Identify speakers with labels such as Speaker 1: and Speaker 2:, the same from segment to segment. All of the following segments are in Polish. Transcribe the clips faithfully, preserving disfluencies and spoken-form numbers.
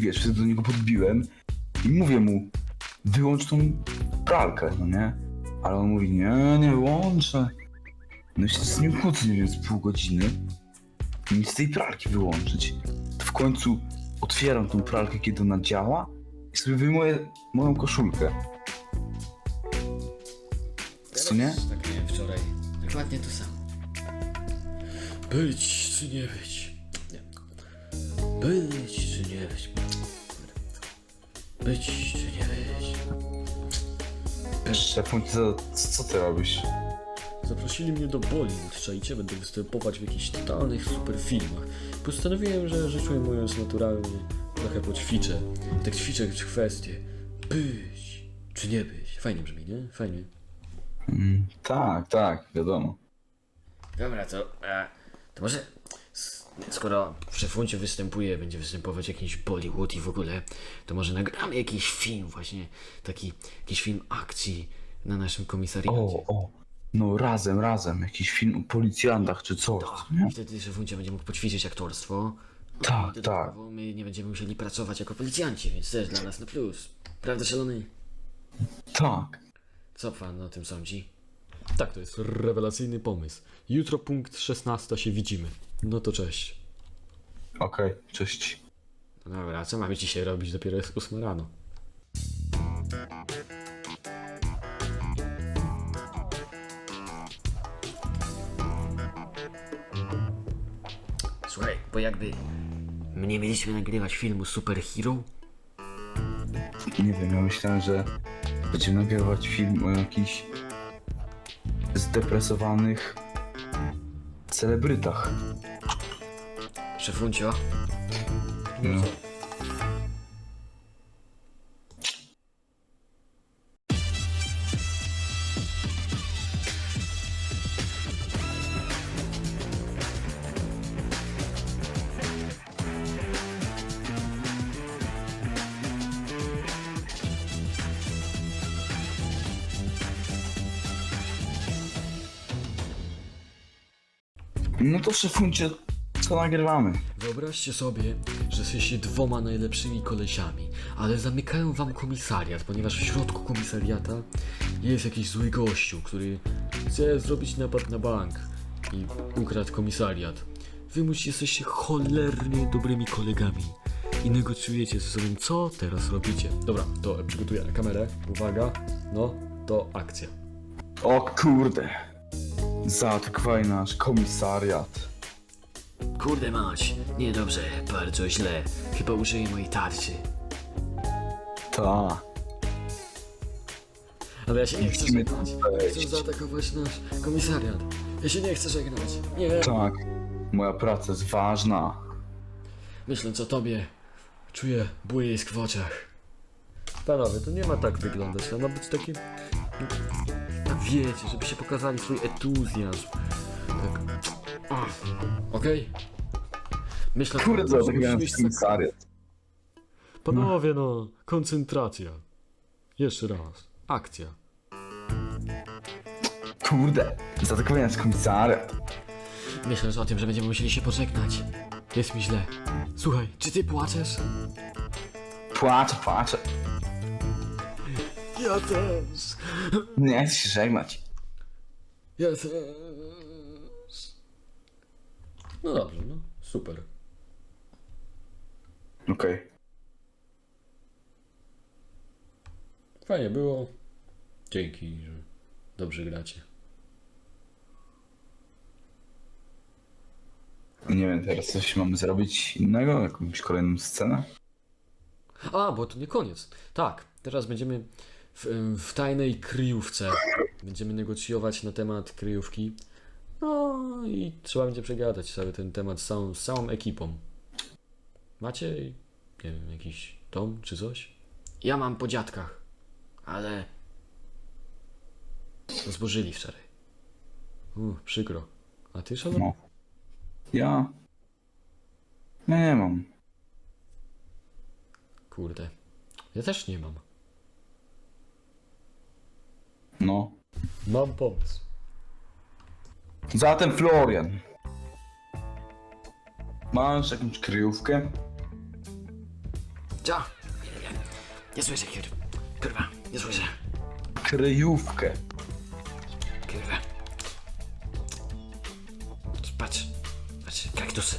Speaker 1: wiesz, wtedy do niego podbiłem i mówię mu, wyłącz tą pralkę, no nie? Ale on mówi, nie, nie wyłączę. No i się z nim kłócę, nie wiem, z pół godziny. Nic z tej pralki wyłączyć. To w końcu otwieram tą pralkę, kiedy ona działa i sobie wyjmuję moją koszulkę. Co nie?
Speaker 2: Tak miałem wczoraj. Dokładnie to samo. Być czy nie być? Nie. Być czy nie być? Być czy nie być?
Speaker 1: Szefun, co, co ty robisz?
Speaker 2: Zaprosili mnie do Bollywood, czajcie, będę występować w jakichś totalnych super filmach. Postanowiłem, że rzecz ujmując naturalnie, trochę poćwiczę. Tak ćwiczę kwestie. Być czy nie być? Fajnie brzmi, nie? Fajnie.
Speaker 1: Mm, tak, tak, wiadomo.
Speaker 2: Dobra, to, e, to może s- skoro w Szefuncie występuje, będzie występować jakiś Bollywood i w ogóle, to może nagramy jakiś film właśnie, taki, jakiś film akcji na naszym komisariacie.
Speaker 1: O, o, no razem, razem, jakiś film o policjantach czy coś,
Speaker 2: Tak,
Speaker 1: nie?
Speaker 2: i wtedy Szefuncie będzie mógł poćwiczyć aktorstwo.
Speaker 1: Tak,
Speaker 2: I
Speaker 1: tak.
Speaker 2: dodatkowo my nie będziemy musieli pracować jako policjanci, więc też dla nas na plus. Prawda, szalony?
Speaker 1: Tak.
Speaker 2: Co pan o tym sądzi? Tak, to jest rewelacyjny pomysł. Jutro punkt szesnasta się widzimy. No to cześć.
Speaker 1: Okej, cześć.
Speaker 2: No dobra, a co mamy dzisiaj robić? Dopiero jest ósma rano. Słuchaj, bo jakby my nie mieliśmy nagrywać filmu Superhero,
Speaker 1: Nie wiem, ja myślałem, że będziemy nagrywać film o jakichś zdepresowanych celebrytach.
Speaker 2: Szefuncio.
Speaker 1: No. No to szefuncie, co nagrywamy?
Speaker 2: Wyobraźcie sobie, że jesteście dwoma najlepszymi kolesiami, ale zamykają wam komisariat, ponieważ w środku komisariata jest jakiś zły gościu, który chce zrobić napad na bank i ukradł komisariat. Wy musicie jesteście cholernie dobrymi kolegami i negocjujecie ze sobą, co teraz robicie. Dobra, to przygotuję kamerę, uwaga, no, to akcja.
Speaker 1: O kurde. Zaatakowali nasz komisariat.
Speaker 2: Kurde mać, niedobrze, bardzo źle, chyba użyję mojej tarczy.
Speaker 1: Ta.
Speaker 2: Ale ja się nie chcę
Speaker 1: Musimy
Speaker 2: żegnać.
Speaker 1: tam wejść.
Speaker 2: Chcę zaatakować nasz komisariat. Ja się nie chcę żegnać. Nie.
Speaker 1: Tak. Moja praca jest ważna.
Speaker 2: Myśląc o tobie, czuję błysk w oczach. Panowie, to nie ma tak wyglądać. To ma być takie... Tak wiecie, żebyście pokazali swój entuzjazm. Tak... Ach, Okej? Myślę,
Speaker 1: Kurde,
Speaker 2: że
Speaker 1: zaatakowali
Speaker 2: musimy
Speaker 1: nasz komisariat.
Speaker 2: Panowie, no, koncentracja. Jeszcze raz. Akcja.
Speaker 1: Kurde. Zaatakowali nasz komisariat.
Speaker 2: Myślę o tym, że będziemy musieli się pożegnać. Jest mi źle. Słuchaj, czy ty płaczesz?
Speaker 1: Płaczę, płaczę.
Speaker 2: Ja też.
Speaker 1: Nie chcę się żegnać.
Speaker 2: Ja też. No dobrze, no. Super.
Speaker 1: Okej.
Speaker 2: Fajnie było. Dzięki, że dobrze gracie.
Speaker 1: Nie wiem, teraz coś mamy zrobić innego? Jakąś kolejną scenę?
Speaker 2: A, bo to nie koniec. Tak, teraz będziemy w, w tajnej kryjówce. Będziemy negocjować na temat kryjówki. No i trzeba będzie przegadać cały ten temat z całą, z całą ekipą. Macie, nie wiem, jakiś dom czy coś? Ja mam po dziadkach, ale zbożyli wczoraj. Uff, przykro. A ty, Szalon?
Speaker 1: No. Ja... Ja nie mam.
Speaker 2: Kurde. Ja też nie mam.
Speaker 1: No.
Speaker 2: Mam pomysł.
Speaker 1: Zatem Florian. Masz jakąś kryjówkę?
Speaker 2: Co? Nie, nie, nie słyszę, kur... kurwa, nie słyszę.
Speaker 1: Kryjówkę.
Speaker 2: Kurwa. Patrz, patrz, kaktusy.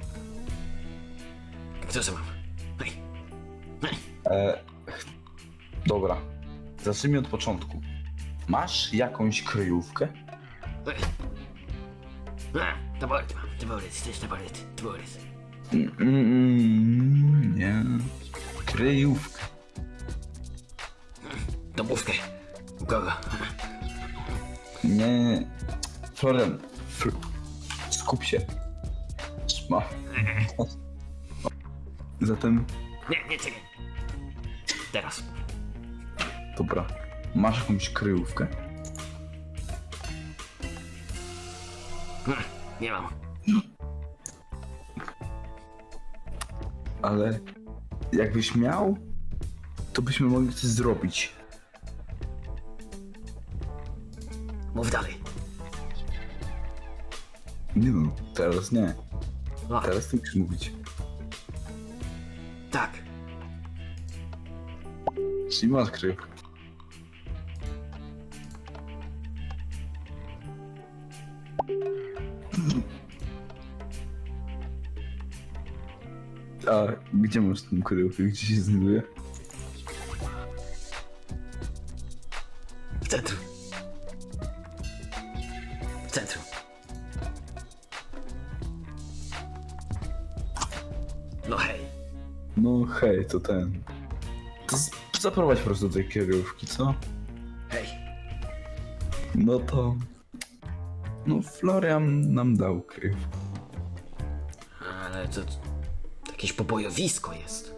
Speaker 2: Kaktusy mam. Hej. Hej.
Speaker 1: E, dobra. Zacznijmy od początku. Masz jakąś kryjówkę?
Speaker 2: Hej. A, taboret mam, taboret, chcesz taboret, taboret.
Speaker 1: Mm, mm, nie. Kryjówkę.
Speaker 2: Domówkę. U kogo?
Speaker 1: Nie. Florian. Fl skup się. Ma. Zatem,
Speaker 2: Nie, nie, czekaj. Teraz.
Speaker 1: dobra. Masz jakąś kryjówkę?
Speaker 2: Hmm, nie mam.
Speaker 1: Ale jakbyś miał, to byśmy mogli coś zrobić.
Speaker 2: Mów dalej.
Speaker 1: Nie no, teraz nie.
Speaker 2: A,
Speaker 1: Teraz ty musisz mówić.
Speaker 2: tak.
Speaker 1: Czyli masz kryjówkę. A gdzie masz tą kryjówkę? Gdzie się znajduje?
Speaker 2: W centrum. W centrum. No hej.
Speaker 1: No hej, to ten. To z- zaprowadź po prostu do tej kryjówki, co?
Speaker 2: Hej.
Speaker 1: No to... No Florian nam dał kryjówkę.
Speaker 2: Ale to... to jakieś pobojowisko jest.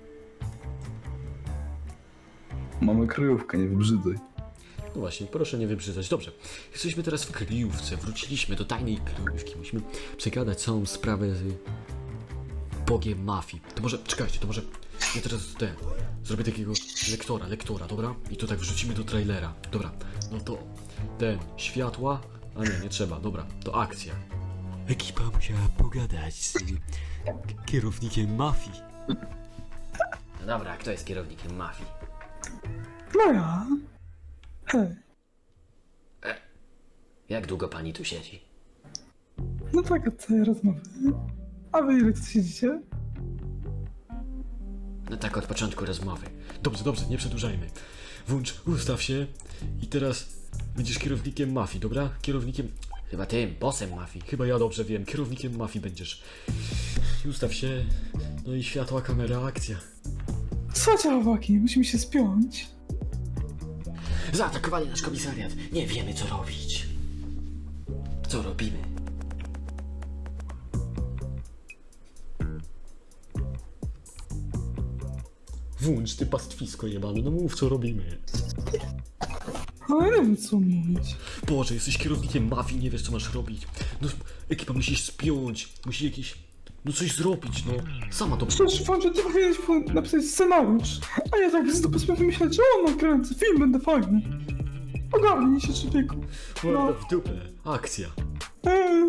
Speaker 1: Mamy kryjówkę, nie wybrzydzaj.
Speaker 2: No właśnie, proszę nie wybrzydzać. Dobrze, jesteśmy teraz w kryjówce, wróciliśmy do tajnej kryjówki. Musimy przegadać całą sprawę z Bogiem mafii. To może, czekajcie, to może ja teraz ten, zrobię takiego lektora, lektora, dobra? I to tak wrzucimy do trailera. Dobra, no to ten, światła, a nie, nie trzeba, dobra, to akcja. Ekipa musiała pogadać z kierownikiem mafii. No dobra, a kto jest kierownikiem mafii?
Speaker 1: No ja. Hej.
Speaker 2: Jak długo pani tu siedzi?
Speaker 3: No tak, od całej rozmowy. A wy ile tu siedzicie?
Speaker 2: No tak, od początku rozmowy. Dobrze, dobrze, nie przedłużajmy. Włącz, ustaw się i teraz będziesz kierownikiem mafii, dobra? Kierownikiem... Chyba tym, bossem mafii. Chyba ja dobrze wiem, kierownikiem mafii będziesz. I ustaw się, no i światła, kamera, akcja.
Speaker 3: Słuchajcie, chłopaki, musimy się spiąć.
Speaker 2: Zaatakowali nasz komisariat. Nie wiemy, co robić. Co robimy? Włącz ty pastwisko jebane, no mów, co robimy.
Speaker 3: Ale nie wiem, co mówić.
Speaker 2: Boże, jesteś kierownikiem mafii, nie wiesz, co masz robić. No, ekipa musisz spiąć, musi jakieś... No coś zrobić, no. Sama to...
Speaker 3: Przecież wam, że ty powinieneś po- napisać scenariusz. A ja tak z dupy sobie wymyśleć, że on nakręcę, film będę fajny. Ogarnij się, człowieku.
Speaker 2: No. W dupę. Akcja.
Speaker 3: Eee.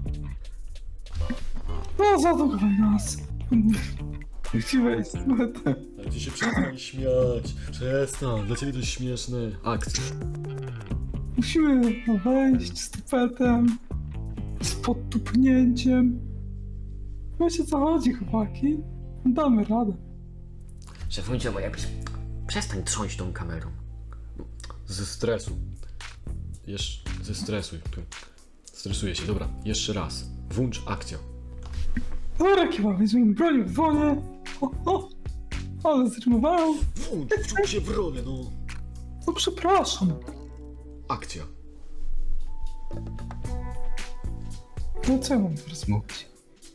Speaker 3: No, zaatakowaj nas.
Speaker 1: Chciałeś.
Speaker 2: Ale ty się przestań śmiać. Przestań, dla ciebie to jest śmieszne. Akcja.
Speaker 3: Musimy wejść z tupetem, z podtupnięciem. Wiecie, co chodzi, chłopaki? Damy radę.
Speaker 2: Szefuncie, bo jakbyś... Przestań trząść tą kamerą. Ze stresu. Jeszcze... Ze stresu. Stresuję się, dobra. Jeszcze raz. Włącz akcję.
Speaker 3: Dobra, kiwa, weźmiemy broń w dłonie. O, o, ale zrymowałem.
Speaker 2: Włącz, wczuł się w rolę, no.
Speaker 3: No przepraszam.
Speaker 2: Akcja.
Speaker 3: No co ja mam teraz mówić?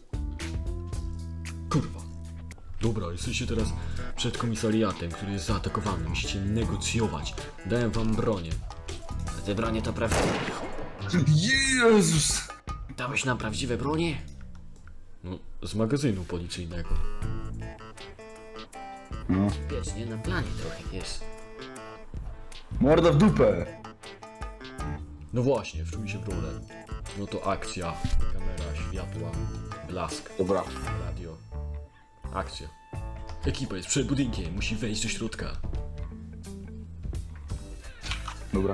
Speaker 2: Kurwa. Dobra, jesteście teraz przed komisariatem, który jest zaatakowany. Musicie negocjować. Dałem wam bronię. A te bronie to prawdziwe.
Speaker 1: Jezus!
Speaker 2: Dałeś nam prawdziwe bronie? No, z magazynu policyjnego.
Speaker 1: No.
Speaker 2: Wiesz, nie na planie trochę jest.
Speaker 1: Morda w dupę!
Speaker 2: No właśnie, wczuj się w rolę. No to akcja. Kamera, światła, blask,
Speaker 1: Dobra.
Speaker 2: radio. Akcja. Ekipa jest przed budynkiem, musi wejść do środka.
Speaker 1: Dobra.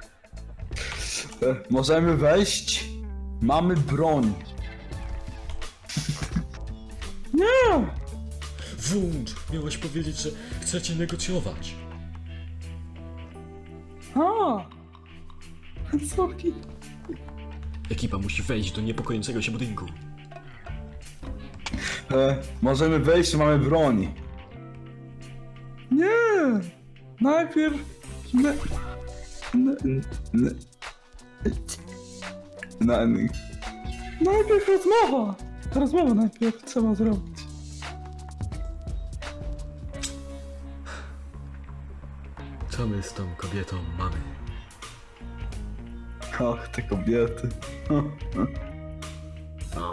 Speaker 1: E, możemy wejść. Mamy broń.
Speaker 3: Nie!
Speaker 2: Włącz! Miałeś powiedzieć, że chcecie negocjować.
Speaker 3: A! Sorki.
Speaker 2: Ekipa musi wejść do niepokojącego się budynku.
Speaker 1: E, możemy wejść, mamy broń.
Speaker 3: Nie! Najpierw... Ne... Ne...
Speaker 1: N- Na, n-
Speaker 3: Najpierw rozmowa! Rozmowę najpierw trzeba zrobić.
Speaker 2: Co my z tą kobietą mamy?
Speaker 1: Ach, te kobiety.
Speaker 2: No,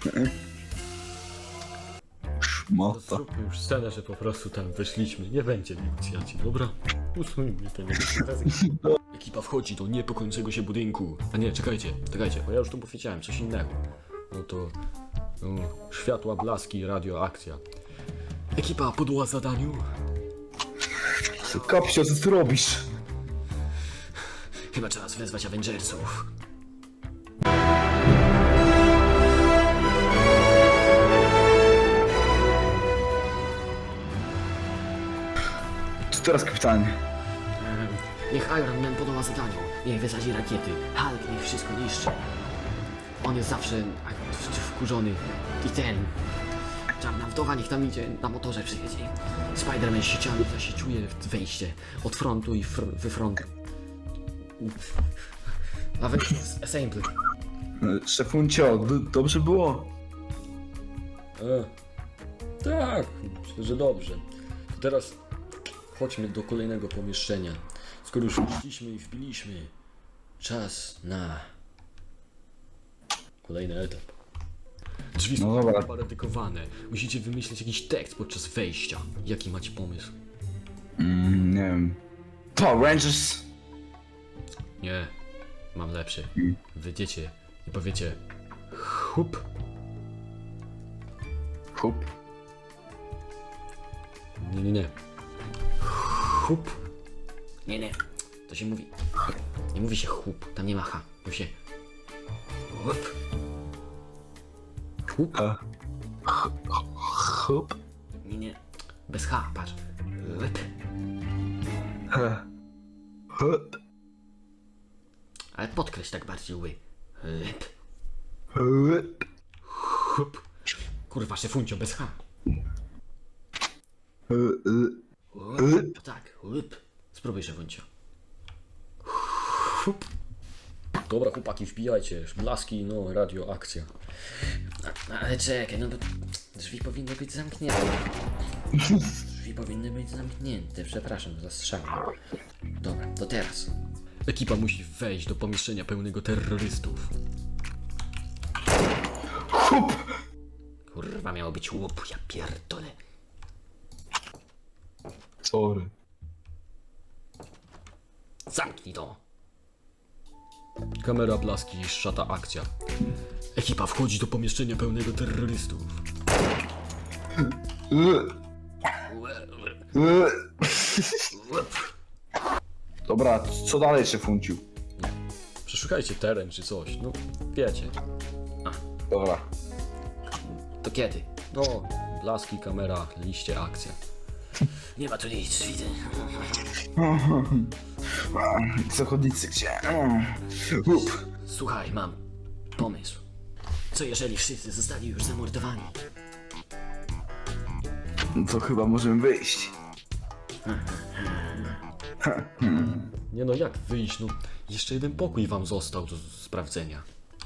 Speaker 1: Szmata.
Speaker 2: zróbmy już scenę, że po prostu tam weszliśmy. Nie będzie negocjacji, dobra? Usuńmy te negocjacje. Ekipa wchodzi do niepokojącego się budynku. A nie, czekajcie, czekajcie, bo ja już tu powiedziałem coś innego. No to... No, światła, blaski, radioakcja. Ekipa podła zadaniu.
Speaker 1: Kapsio, co ty robisz?
Speaker 2: Chyba czas wezwać Avengersów.
Speaker 1: Co teraz, kapitanie?
Speaker 2: Em, Niech Iron Man podoła zadaniu. Niech wysadzi rakiety. Hulk niech wszystko niszczy. On jest zawsze a, w- wkurzony. I ten... Czarna wdowa niech tam idzie, na motorze przyjedzie. Spider-Man sieciami zasieciuje wejście od frontu i fr wy frontu. Avengers Assemble.
Speaker 1: E, Szefuncio, d- dobrze było?
Speaker 2: E, tak, myślę, że dobrze. To teraz chodźmy do kolejnego pomieszczenia. Skoro już weszliśmy i wbiliśmy, czas na kolejny etap. Drzwi są
Speaker 1: No dobra.
Speaker 2: paradykowane. Musicie wymyślić jakiś tekst podczas wejścia. Jaki macie pomysł?
Speaker 1: Mm, nie wiem. Power Rangers!
Speaker 2: Nie, mam lepszy.
Speaker 1: Mm.
Speaker 2: Wyjdziecie i powiecie chup.
Speaker 1: Hup.
Speaker 2: Nie, nie, nie. Chup. Nie, nie. To się mówi. Nie mówi się chup, tam nie ma H. Mówi się chup. Chup.
Speaker 1: E. Hup.
Speaker 2: Nie, nie. Bez H, patrz. Chup.
Speaker 1: He. Hup.
Speaker 2: Ale podkreśl tak bardziej ły. Chup.
Speaker 1: Hup.
Speaker 2: Chup. Kurwa, szefuncio, bez H.
Speaker 1: E, e.
Speaker 2: Chup. To tak, chup. Spróbuj, szefuncio. Chup. Dobra, chłopaki, wbijajcie. Blaski, no, radioakcja. A, ale czekaj, no bo drzwi powinny być zamknięte. Drzwi powinny być zamknięte, przepraszam za strzał. Dobra, to teraz. Ekipa musi wejść do pomieszczenia pełnego terrorystów.
Speaker 1: Hup.
Speaker 2: Kurwa, miało być łup, ja pierdolę.
Speaker 1: Sorry.
Speaker 2: Zamknij to. Kamera, blaski, szata, akcja. Ekipa wchodzi do pomieszczenia pełnego terrorystów.
Speaker 1: E. E. Dobra, co dalej, szefunciu?
Speaker 2: Przeszukajcie teren czy coś, no wiecie.
Speaker 1: Dobra.
Speaker 2: To kiedy? No, blaski, kamera, liście, akcja. Nie ma tu nic, widzę.
Speaker 1: Zachodnicy gdzie? Hup.
Speaker 2: Słuchaj, mam pomysł. Co jeżeli wszyscy zostali już zamordowani?
Speaker 1: No to chyba możemy wyjść.
Speaker 2: Nie no, jak wyjść? No, jeszcze jeden pokój wam został do sprawdzenia.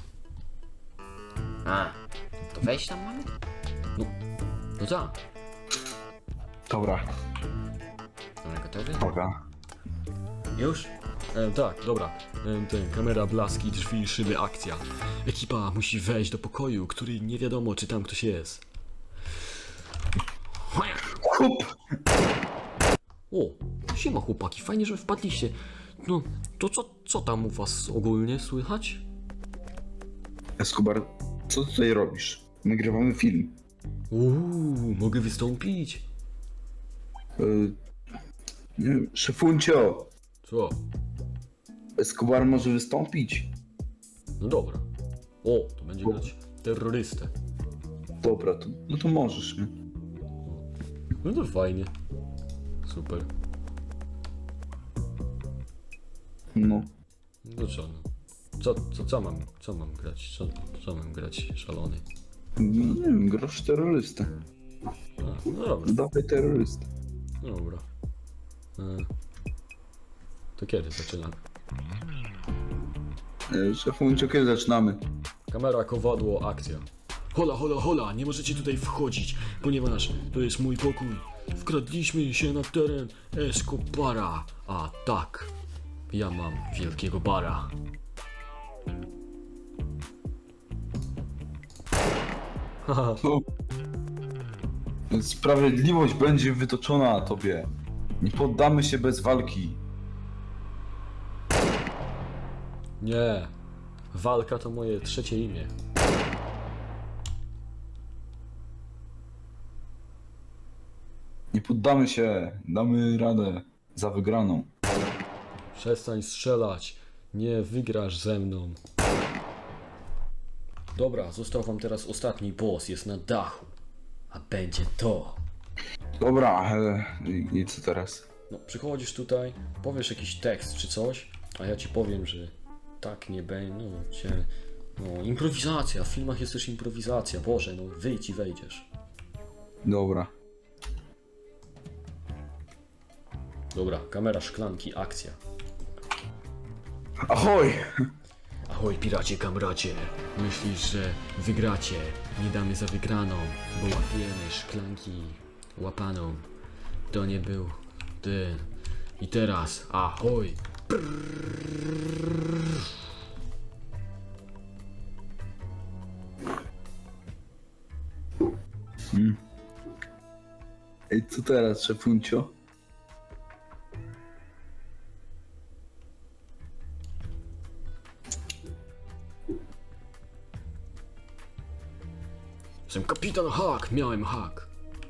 Speaker 2: A, to wejść tam mamy? No, no tak.
Speaker 1: Dobra.
Speaker 2: Ale gotowy?
Speaker 1: Dobra.
Speaker 2: Już? E, tak, dobra. E, ten, kamera, blaski, drzwi, szyby, akcja. Ekipa musi wejść do pokoju, który nie wiadomo, czy tam ktoś jest.
Speaker 1: Hup.
Speaker 2: O, siema chłopaki, fajnie, że wpadliście. No, to co, co tam u was ogólnie słychać?
Speaker 1: Escobar, co ty tutaj robisz? Nagrywamy film.
Speaker 2: Uuu, mogę wystąpić?
Speaker 1: Y, nie wiem, szefuncio,
Speaker 2: Co?
Speaker 1: Escobar może wystąpić?
Speaker 2: No dobra. O, to będzie grać terrorystę.
Speaker 1: Dobra, to, no to możesz, nie?
Speaker 2: No to fajnie. Super.
Speaker 1: No.
Speaker 2: No co no? Co, co, co mam, co mam grać? Co, co mam grać, szalony?
Speaker 1: No nie wiem, grasz terrorystę.
Speaker 2: A, no dobra,
Speaker 1: Dawaj terrorystę.
Speaker 2: no dobra. E, to kiedy zaczynamy?
Speaker 1: Y, Szefuncio, kiedy zaczynamy?
Speaker 2: Kamera, kowadło, akcja. Hola, hola, hola, nie możecie tutaj wchodzić, ponieważ to jest mój pokój. Wkradliśmy się na teren Escobara. A tak, ja mam wielkiego bara. Haha,
Speaker 1: No. Sprawiedliwość będzie wytoczona tobie. Nie poddamy się bez walki.
Speaker 2: nie. Walka to moje trzecie imię.
Speaker 1: Nie poddamy się. Damy radę za wygraną.
Speaker 2: Przestań strzelać. Nie wygrasz ze mną. Dobra, został wam teraz ostatni boss. Jest na dachu. A będzie to.
Speaker 1: Dobra, e, i, i co teraz?
Speaker 2: No, przychodzisz tutaj, powiesz jakiś tekst czy coś, a ja ci powiem, że tak nie będzie. No, cię... no, improwizacja. W filmach jest też improwizacja. Boże, no wyjdź i wejdziesz.
Speaker 1: Dobra.
Speaker 2: Dobra, kamera, szklanki, akcja.
Speaker 1: Ahoj!
Speaker 2: Ahoj, piracie, kamracie. Myślisz, że wygracie? Nie damy za wygraną, bo łapiemy szklanki łapaną. To nie był ten. I teraz, ahoj.
Speaker 1: Hmm. Ej, co teraz, szefuncio?
Speaker 2: Jestem kapitan Hak, miałem hak.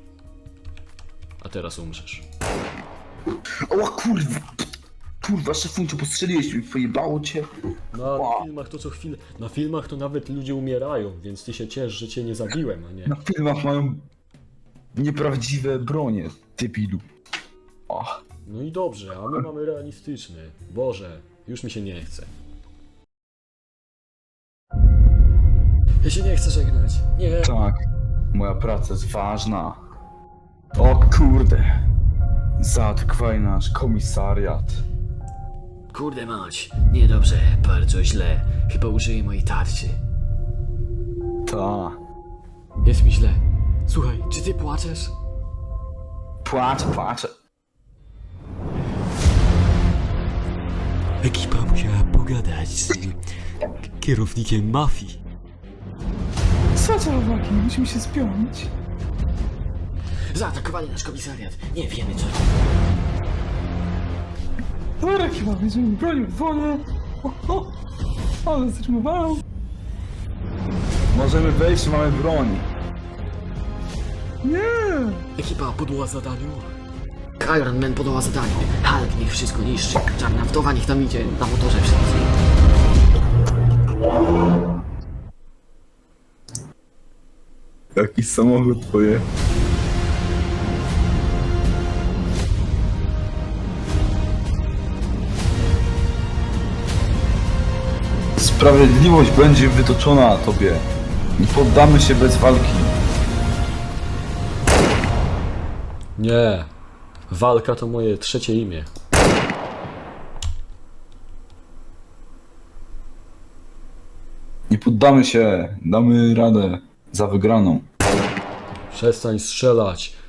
Speaker 2: A teraz umrzesz.
Speaker 1: O kurwa! Kurwa, szefuncio, postrzeliłeś mi, pojebało cię.
Speaker 2: Na
Speaker 1: Wow.
Speaker 2: filmach to co chwilę. Na filmach to nawet ludzie umierają, więc ty się ciesz, że cię nie zabiłem, a nie.
Speaker 1: Na filmach mają nieprawdziwe bronie, debilu. O,
Speaker 2: No i dobrze, a my mamy realistyczny. Boże, już mi się nie chce. Ja się nie chcę żegnać. Nie.
Speaker 1: tak. Moja praca jest ważna. O kurde. Zaatakowali nasz komisariat.
Speaker 2: Kurde mać, niedobrze, bardzo źle. Chyba użyję mojej tarczy.
Speaker 1: Ta.
Speaker 2: Jest mi źle. Słuchaj, czy ty płaczesz?
Speaker 1: Płaczę, płaczę.
Speaker 2: Ekipa musiała pogadać z kierownikiem mafii.
Speaker 3: Co za uwagi? Musimy się spiąć.
Speaker 2: Zaatakowali nasz komisariat. Nie wiemy co.
Speaker 3: Dobra, chyba weźmiemy broń w wodę. O, o, ale zatrzymowałem.
Speaker 1: Możemy wejść, mamy broń.
Speaker 3: Nie!
Speaker 2: Ekipa podła zadaniu. Iron Man podała zadaniu. Hulk niech wszystko niszczy. Czarna wdowa niech tam idzie na motorze wszędzie.
Speaker 1: Jaki samochód twoje? Sprawiedliwość będzie wytoczona tobie. Nie poddamy się bez walki.
Speaker 2: Nie. Walka to moje trzecie imię.
Speaker 1: Nie poddamy się. Damy radę za wygraną.
Speaker 2: Przestań strzelać.